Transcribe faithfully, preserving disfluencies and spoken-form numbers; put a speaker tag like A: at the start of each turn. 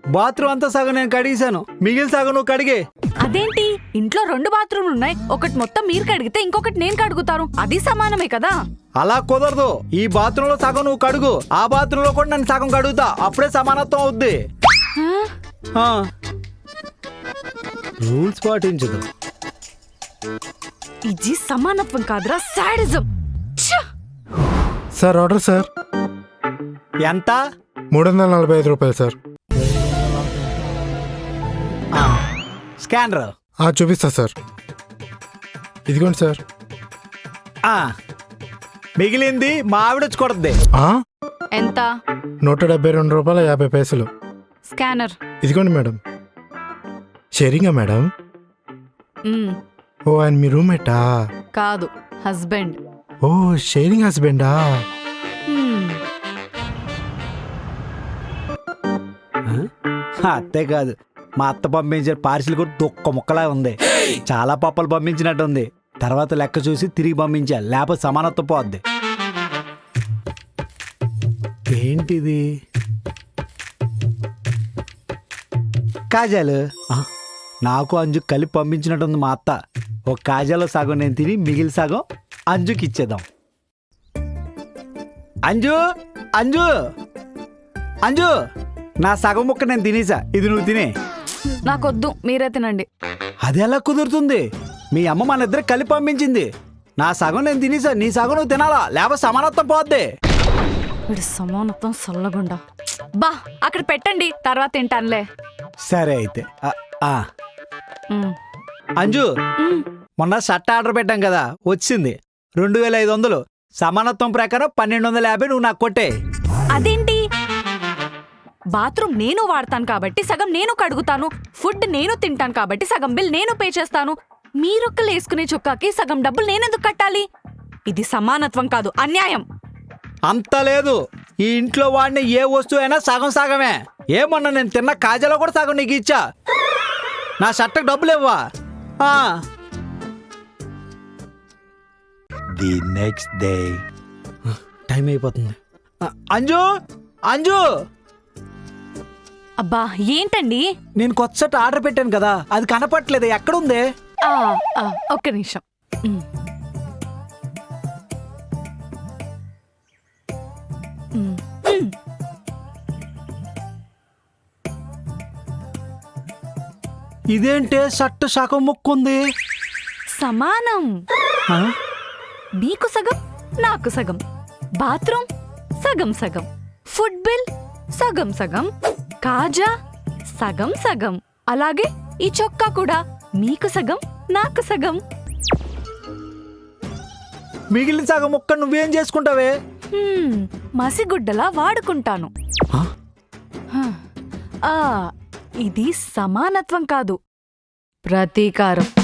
A: Bathroom అంతా సగం నేను కడిగేశాను, మిగిలిన సగం నువ్వు కడిగే.
B: అదేంటి, ఇంట్లో రెండు బాత్రూమ్లు ఉన్నాయి, ఒకటి మొత్తం మీరు కడిగితే ఇంకొకటి నేను కడుగుతాను, అది సమానమే కదా.
A: అలా కుదరదు. ఈ బాత్రూమ్ లో సగం నువ్వు కడుగు, ఆ బాత్రూమ్ లో కూడా నేను సగం కడుగుతా, అప్పుడే సమానత్వం అవుద్ది. రూల్స్ పాటించదు.
B: ఇది సమానత్వం కాదురా, సాడిజం.
C: Sir order sir.
A: ఎంత?
C: మూడు వందల నలభై ఐదు రూపాయలు సార్.
A: స్కానర్
C: చూపిస్తా సార్. ఇదిగోండి సార్.
A: మిగిలింది మా ఆవిడ వచ్చి కొడుద్ది.
B: ఎంత?
C: నూట డెబ్బై రెండు రూపాయల యాభై పైసలు.
B: స్కానర్
C: ఇదిగోండి మేడం. షేరింగా మేడం?
B: మ్మ్.
C: ఓ ఆయన మీ రూమ్మేటా?
B: కాదు, హస్బెండ్.
C: ఓ షేరింగ్ హస్బెండా?
B: మ్మ్.
A: అత్తే కాదు, మా అత్త పంపించిన పార్సిల్ కూడా తొక్క ముక్కలా ఉంది. చాలా పప్పలు పంపించినట్టు ఉంది. తర్వాత లెక్క చూసి తిరిగి పంపించా, లేకపోతే సమానత్వం పోద్ది. ఏంటిది? కాజాలు. నాకు అంజు కలిపి పంపించినట్టుంది మా అత్త. ఒక కాజాలో సగం నేను తిని మిగిలి సగం అంజుకి ఇచ్చేద్దాం. అంజు అంజు అంజు నా సగం ముక్క నేను తినేసా, ఇది నువ్వు తినే.
B: నాకొద్దు, మీరే తినండి.
A: అది ఎలా కుదురుతుంది? మీ అమ్మ మన ఇద్దరు కలిపి పంపించింది. నా సగం నేను తినేసా, నీ సగం నువ్వు తినాలా, లేకపోతే సమానత్వం పోద్ది.
B: వీడు సమానత్వం సల్లగుండా. బా అక్కడ పెట్టండి, తర్వాత తింటానులే.
A: సరే అయితే. ఆ, ఆ.
B: మ్మ్.
A: అంజు,
B: మ్మ్.
A: మొన్న షర్ట్ ఆర్డర్ పెట్టాం కదా, వచ్చింది రెండు వేల ఐదు వందలు. సమానత్వం ప్రకారం పన్నెండు వందల యాభై నువ్వు నాకు కొట్టే.
B: అదేంటి? బాత్రూమ్ నేను వాడతాను కాబట్టి సగం నేను కడుగుతాను, ఫుడ్ నేను తింటాను కాబట్టి సగం బిల్ నేను పే చేస్తాను. మీరొక్కలు వేసుకునే చొక్కాకి సగం డబ్బులు నేనెందుకు కట్టాలి? ఇది సమానత్వం కాదు, అన్యాయం.
A: అంత లేదు. ఈ ఇంట్లో వాడిన ఏ వస్తువు అయినా సగం సగమే. ఏమన్నా నేను తిన్న కాజాలో కూడా సగం నీకు ఇచ్చా. నా షర్ట్కి డబ్బులు ఇవ్వా. The next day. టైం అయిపోతుంది. అంజు అంజు
B: అబ్బా ఏంటండి?
A: నేను కొత్త షర్ట్ ఆర్డర్ పెట్టాను కదా, అది కనపట్లేదు, ఎక్కడుంది?
B: ఆ, ఆ, ఒక్క నిమిషం. మ్మ్. మ్మ్. మ్మ్.
A: ఇదేంటే షర్ట్ సగం ముక్కుంది?
B: సమానం. మీకు సగం, నాకు సగం. బాత్రూమ్ సగం సగం, ఫుడ్ బిల్ సగం సగం, కాజా సగం సగం, అలాగే ఈ చొక్కా కూడా మీకు సగం, నాకు సగం.
A: మిగిలిన సగం ముక్క నువ్వేం చేసుకుంటావే?
B: హ్మ్, మసిగుడ్డలా వాడుకుంటాను. ఆ, ఇది సమానత్వం కాదు, ప్రతీకారం.